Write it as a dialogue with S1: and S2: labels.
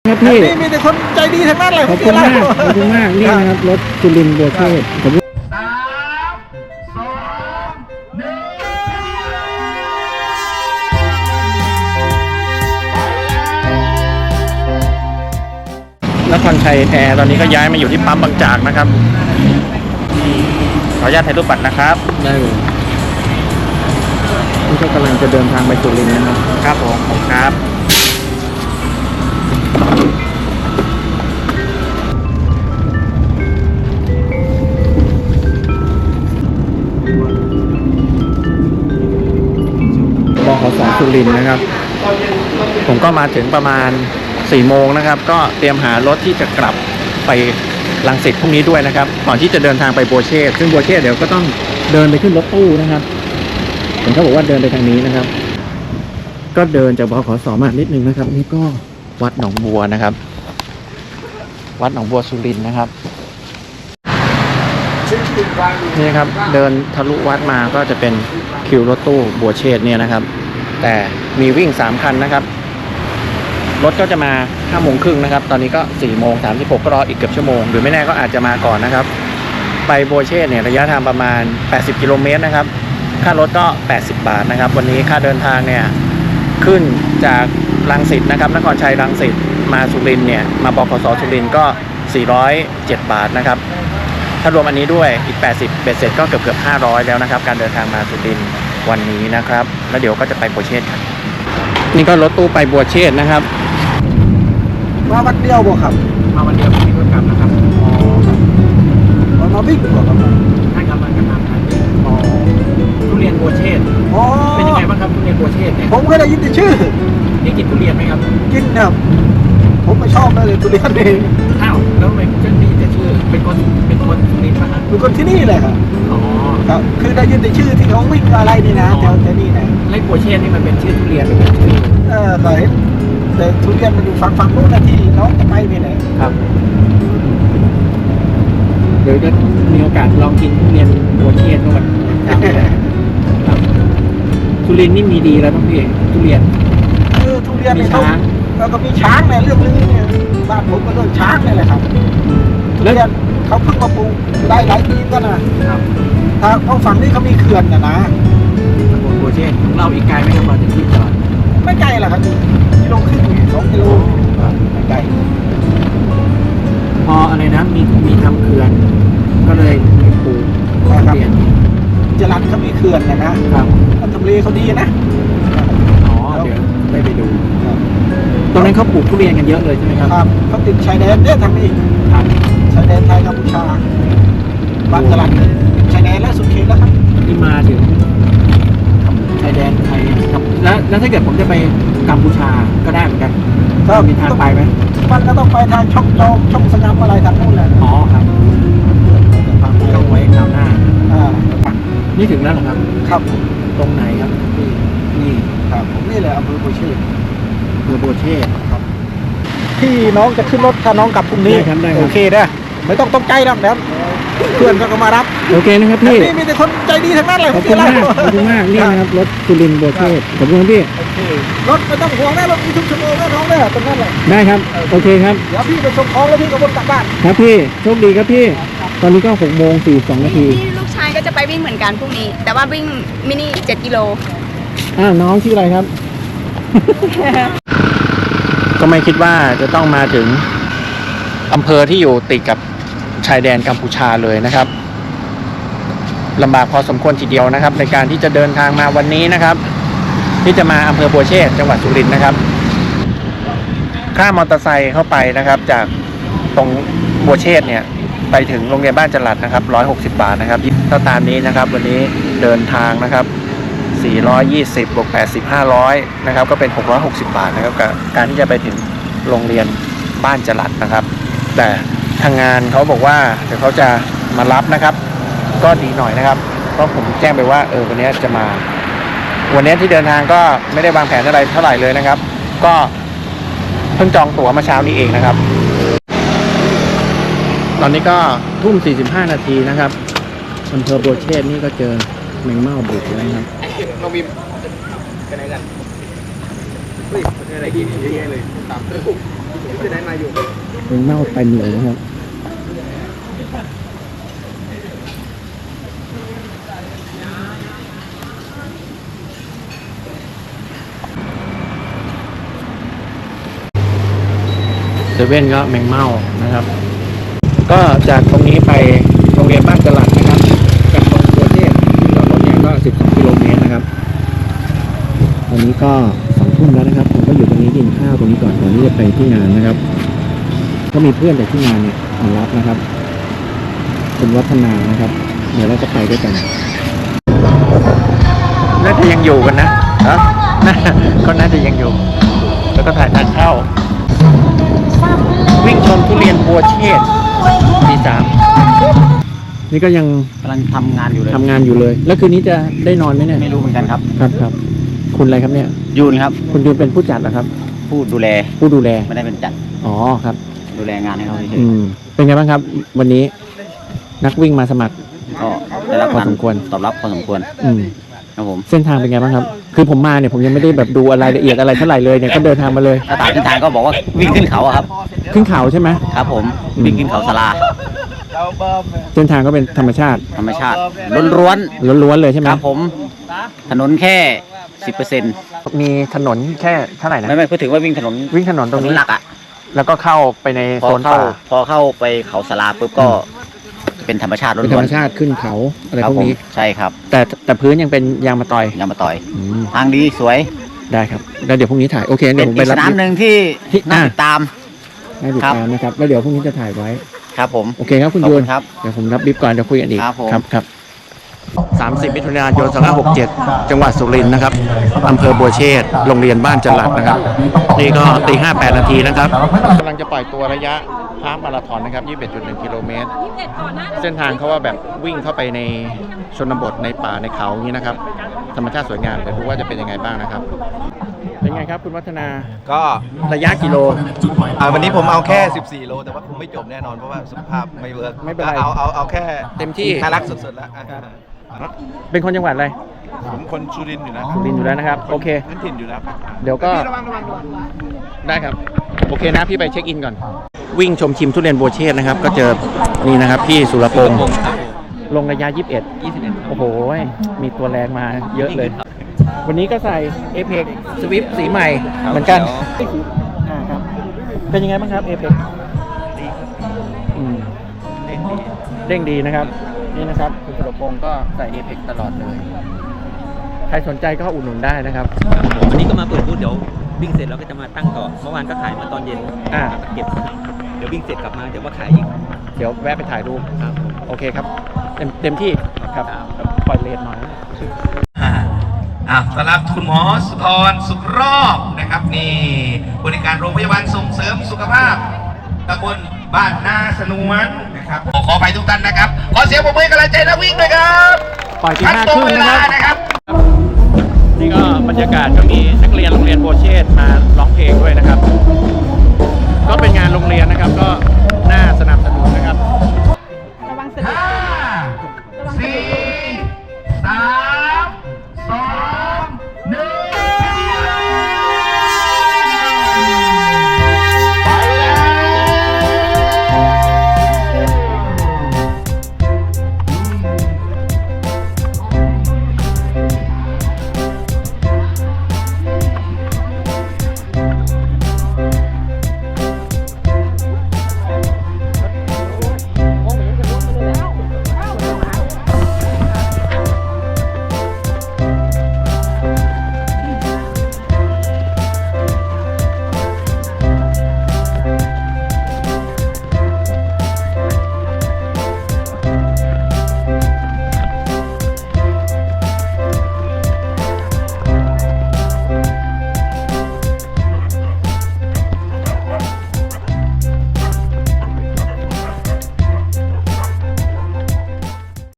S1: ครับพี่
S2: มีแต่คนใจดีทั้งนั้นเลย
S1: ขอบคุณมากขอบคุณมากนี่นะครับรถจุลินบัวเทศผมนครชัยแอร์ตอนนี้ก็ย้ายมาอยู่ที่ปั๊มบางจากนะครับขออนุญาตถ่ายรูปบัตรนะครับได้เลยนี่ก็กำลังจะเดินทางไปจุลินนะครับครับผมครับบขส.สุรินทร์นะครับผมก็มาถึงประมาณ4 โมงนะครับก็เตรียมหารถที่จะกลับไปรังสิตพรุ่งนี้ด้วยนะครับก่อนที่จะเดินทางไปบัวเชษซึ่งบัวเชษเดี๋ยวก็ต้องเดินไปขึ้นรถตู้นะครับผมเขาบอกว่าเดินไปทางนี้นะครับก็เดินจากบขส.มานิดนึงนะครับนี่ก็วัดหนองบัวนะครับวัดหนองบัวสุรินทร์นะครับนี่ครับเดินทะลุวัดมาก็จะเป็นคิวรถตู้บัวเชษเนี่ยนะครับแต่มีวิ่ง3 คันนะครับรถก็จะมา5 โมงครึ่งนะครับตอนนี้ก็4 โมง 36ก็รออีกเกือบชั่วโมงหรือไม่แน่ก็อาจจะมาก่อนนะครับไปบัวเชษเนี่ยระยะทางประมาณ80 กิโลเมตรนะครับค่ารถก็80 บาทนะครับวันนี้ค่าเดินทางเนี่ยขึ้นจากรังสิตนะครับนครชัยรังสิตมาสุรินทร์เนี่ยมาบขส.สุรินทร์ก็407 บาทนะครับถ้ารวมอันนี้ด้วยอีก80เบ็ดเสร็จก็เกือบ500แล้วนะครับการเดินทางมาสุรินทร์วันนี้นะครับแล้วเดี๋ยวก็จะไปบัวเชษครับนี่ก็รถตู้ไปบัวเชษนะครับ
S2: มาวันเดียวบ่ครับ
S1: มาวันเดียวไม่มีรถกลับนะครับอ๋อครับ
S2: มาวิ่งบ่ครับ
S1: ใช่ครับมากระทำครับอ๋อทุเรียนบัวเชษเป็นยังไงบ้างครับทุเรียนบัวเชษเนี่ย
S2: ผมก็ได้ยินแต่ชื่อ
S1: นี่กินทุเรียนไหมครับ
S2: กินครับผมไม่ชอบเลยทุเรียนเอง
S1: อ้าวแล้วทำไมจะมีแต่ชื่อเป็นคนสุรินทร์ป่ะครับ
S2: เป็นคนที่นี่เลยครับ
S1: อ๋อ
S2: ครับคือได้ยินแต่ชื่อที่เขาวิ่งอะไรนี่นะแถวนี้นะ
S1: ไร่บัวเชษนี่มันเป็นชื่อทุเรียนหรือเป็นชื่อ
S2: เคยแต่ทุเรียนมันอยู่ฝั่งนู้นนะที่น้องจะไปนี่แหละ
S1: ครับเดี๋ยวจะมีโอกาสลองกินทุเรียนบัวเชษด้วยครับทุเรียนนี่มีดีแล้วต้องพี่ทุเรียน
S2: ทุเรียนมีช้างแล้วก็มีช้างเนี่ยเรื่องนึงเนี่ยบ้านผมก็เรื่องช้างนี่แหละครับทุเรียนเขาเพิ่งมาปลูกได้หลายปีก็นะครับถ้าเขาฝั่งนี้เขามีเขื่อนนะ
S1: บัวเชษของเราอีกไกลไหมครับมาถึงที่จอด
S2: ไม่ไกลหรอกครับ1.5 กิโล2 กิโลไม่ไกล
S1: พออะไรนะมีทำเขื่อนก็เลยปลูก
S2: ทุเรียนจรัญเขามีเขื่อนนะครับทำเลเขาดีนะ
S1: อ๋อเดี๋ยวไปดูตรงนั้นเขาปลูกทุเรียนกันเยอะเลยใช่ไหมครับ
S2: ครับเขาติดชายแดนเนี่ยทำนี่ชายแดนไทยกัมพูชาบางจรัญชายแดนและสุดเขตแล้วครับ
S1: ที่มาถึงชายแดนไทยครับแล้วถ้าเกิดผมจะไปกัมพูชาก็ได้เหมือนกันก็มีทางไปไหม
S2: มันก็ต้องไปทางช่องจอมช่องสงามอะไรทางนู้นแหละ
S1: อ๋อครับต้องไว้คราวหน้านี่ถึงแล้วเหรอครับ
S2: ครับ
S1: ตรงไหนครับนี่
S2: ครับผมนี่แหละอำเภอบัวเชษ
S1: บัวเชษ
S2: ครับที่น้องจะขึ้นรถถ้าน้องกลับพรุ่งนี้โอเคนะไม่ต้องตกใจหรอกเดี๋ยวเพื่อนก็มารับ
S1: โอเคนะครับพี่
S2: มีแต่คนใจดีทั้งนั้นเลย
S1: ขอบคุณมากขอบคุณมากนี่นะครับรถจุลินบัวเชษขอบคุณพี่
S2: รถไม่ต้องห่วงนะรถมีทุกชั่วโมงนะน้องเนี่ยตรงนั้นเลย
S1: ได้ครับโอเคครับ
S2: เดี๋ยวพี่ไปส่งของแล้วพี่ก็วนกลับบ้าน
S1: ครับพี่โชคดีครับพี่ตอนนี้ก็6:42 นาที
S3: ลูกชายก็จะไปวิ่งเหมือนกันพรุ่งนี้แต่ว่าวิ่งมินิ7 กิโล
S1: น้องชื่ออะไรครับ ก็ไม่คิดว่าจะต้องมาถึงอำเภอที่อยู่ติดกับชายแดนกัมพูชาเลยนะครับลำบากพอสมควรทีเดียวนะครับในการที่จะเดินทางมาวันนี้นะครับที่จะมาอำเภอบัวเชษจังหวัดสุรินทร์นะครับค่ามอเตอร์ไซค์เข้าไปนะครับจากตรงบัวเชษเนี่ยไปถึงโรงเรียนบ้านจรัญนะครับ160 บาทนะครับถ้าตามนี้นะครับวันนี้เดินทางนะครับ420บวก80 500นะครับก็เป็น660 บาทนะครับกับการที่จะไปถึงโรงเรียนบ้านจรัญนะครับแต่ทางงานเขาบอกว่าเดี๋ยวเขาจะมารับนะครับก็ดีหน่อยนะครับเพราะผมแจ้งไปว่าวันนี้จะมาวันนี้ที่เดินทางก็ไม่ได้วางแผนอะไรเท่าไหร่เลยนะครับก็เพิ่งจองตั๋วมาเช้านี้เองนะครับตอนนี้ก็1:45 นาทีนะครับอำเภอบัวเชษนี่ก็เจอแมงเม่าบุกแล้วนะครับ
S2: น้องบิมไปไหนกันเฮ้ยอะไรกินเยอะเลยตาม
S1: เน่าเต็มเลยนะครับเซเว่นก็แมงเม่านะครับ ก็จากตรงนี้ไปโรงเรียนบ้านจรัสนะครับจากตรงตัวเทพที่จอดรถเนี่ยก็12 กิโลเมตรนะครับตอนนี้ก็2 ทุ่มแล้วนะครับผมก็อยู่ตรงนี้กินข้าวตรงนี้ก่อนที่จะไปที่งานนะครับ ก็มีเพื่อนจากที่งานเนี่ยมารับนะครับเป็นวัฒนานะครับ เดี๋ยวเราจะไปด้วยกันน่าจะยังอยู่กันนะก็น่าจะยังอยู่ แล้วก็ถ่ายทางเข้า วิ่งชมทุเรียนบัวเชษตี 3นี่ก็ยัง
S2: กำลังทำงานอยู่เลย
S1: ทำงานอยู่เลย แล้วคืนนี้จะได้นอนไหมเนี่ย
S2: ไม่รู้เหมือนกันครับ
S1: ครับคุณอะไรครับเนี่ย
S2: ยูนครับ
S1: คุณยูนเป็นผู้จัดเหรอครับ
S2: ผู้ดูแล
S1: ผู้ดูแล
S2: ไม่ได้เป็นจัด
S1: อ๋อครับ
S2: ดูแลงานให้เขาเฉย
S1: เป็นไงบ้างครับ วันนี้นักวิ่งมาสมัคร
S2: ๆก็ได้รับ
S1: พอสมควร
S2: ตอบรับพอสมควร
S1: อืม
S2: ครับผม
S1: เส้นทางเป็นไงบ้างครับ คือผมมาเนี่ยผมยังไม่ได้แบบดูอะไรละเอียดอะไรเท่าไหร่เลยเนี่ยก็เดินทางมาเลย
S2: ถ้าตามเส้นทางก็บอกว่าวิ่งขึ้นเขาอะครับ
S1: ขึ้นเขาใช่ไหม
S2: ครับผมวิ่งขึ้นเขาสลา
S1: เส้นทางก็เป็นธรรมชาติ
S2: ธรรมชาติล้วน
S1: ล้วนๆเลยใช่ไห
S2: ๆ
S1: ม
S2: ครับผมถนนแค่ 10%
S1: มีถนนแค่เท่าไหร่นะ
S2: ไม่พูดถึงว่าวิ่งถนน
S1: วิ่งถนนตรงนี้
S2: หลักอะ
S1: แล้วก็เข้าไปใน
S2: พอ
S1: โซน
S2: เข้า
S1: ป่า
S2: พอเข้าไปเขาสลาปุ๊บก็เป็นธรรมชาติล้
S1: เป็นธร
S2: ว
S1: ร
S2: น
S1: มชาติขึ้นเขาอะไร
S2: ๆครั
S1: พวก
S2: ผม
S1: นี้
S2: ใช่ครับ
S1: แต่พื้นยังเป็นยางมะตอย
S2: ยางมาต่อย
S1: อืม
S2: ทางดีสวย
S1: ได้ครับแล้วเดี๋ยวพรุ่งนี้ถ่ายโอเค
S2: เป็
S1: เดี๋ย
S2: น
S1: วผมไป
S2: อีก
S1: รั
S2: ส
S1: บ
S2: นามหนึ่งที่
S1: ที่
S2: น่าติดตาม
S1: ให้ติดตามนะครับแล้วเดี๋ยวพรุ่งนี้จะถ่ายไว้
S2: ครับผม
S1: โอเคครับคุณ
S2: ขอบ
S1: ยู
S2: คุ
S1: น
S2: ณครับ
S1: เดี๋ยวผมรับบิ๊บก่อนเดี๋ยวคุยกันอีก
S2: ครับผม
S1: ครับ30 มิถุนายน 2567 จังหวัดสุรินทร์นะครับอำเภอบัวเชษฐ์โรงเรียนบ้านจรัสนะครับ นี่ก็ตี 5:08 นาทีนะครับกำลังจะปล่อยตัวระยะฮาล์ฟมาราธอนนะครับ 21.1 กิโลเมตร เส้นทางเขาว่าแบบวิ่งเข้าไปในชนบทในป่าในเขาอย่างนี้นะครับ ธรรมชาติสวยงามเดี๋ยวดูว่าจะเป็นยังไงบ้างนะครับ เป็นไงครับคุณวัฒนา
S4: ก็
S1: ระยะกิโล
S4: วันนี้ผมเอาแค่ 14 โล แต่ว่าคงไม่จบแน่นอนเพราะว่าสุขภาพไม่เวิร์ก
S1: ไม่เป็นไร
S4: เอาแค่
S1: เต็มที่
S4: น่ารักสุดๆแล้ว
S1: เป็นคนจังหวัดอะไร
S4: ผมคนสุรินทร์อยู่นะ
S1: สุรินทร์อยู่แล้วนะครับโอเค
S4: พื้นถิ่นอยู่แล้ว
S1: เดี๋ยวก็ได้ครับโอเคนะพี่ไปเช็คอินก่อน วิ่งชมชิมทุเรียนบัวเชษนะครับ ก็เจอนี่นะครับพี่สุรพงศ์ลงระยะ 21 โอ้โหมีตัวแรงมาเยอะเลย วันนี้ก็ใส่ Apex Swift สีใหม่เหมือนกันครับเป็นยังไงบ้างครับ Apex เด้งดีนะครับนี่นะครับคุณสุรพงศ์ก็ใส่ Apex ตลอดเลย ใครสนใจก็อุดหนุนได้นะครับ
S5: วันนี้ก็มาเปิดบูธเดี๋ยววิ่งเสร็จเราก็จะมาตั้งต่อ เมื่อวานก็ขายมาตอนเย็น เก็บ เดี๋ยววิ่งเสร็จกลับมาเดี๋ยวมาขายอีก
S1: เดี๋ยวแวะไปถ่ายรูป
S5: ครับผม
S1: โอเคครับ เต็มที่ครับปล่อยเลนหน่อย
S6: สำหรับคุณหมอสุธรสุขรอบนะครับนี่บริการโรงพยาบาลส่งเสริมสุขภาพตำบลบ้านนาสนวนนะครับขอไปทุกท่านนะครับขอเสียงปรบมือกำลังใจนักวิ่งด้วยครับ
S1: ปล่อยที่
S6: ทั้ง
S1: 5
S6: ตร
S1: ค
S6: ง
S1: รึ่ง
S6: เว
S1: นะ
S6: ลา
S1: ครับ
S6: นะครับ
S1: นี่ก็บรรยากาศก็มีนักเรียนโรงเรียนโบวเชษฐ์มาร้องเพลงด้วยนะครับ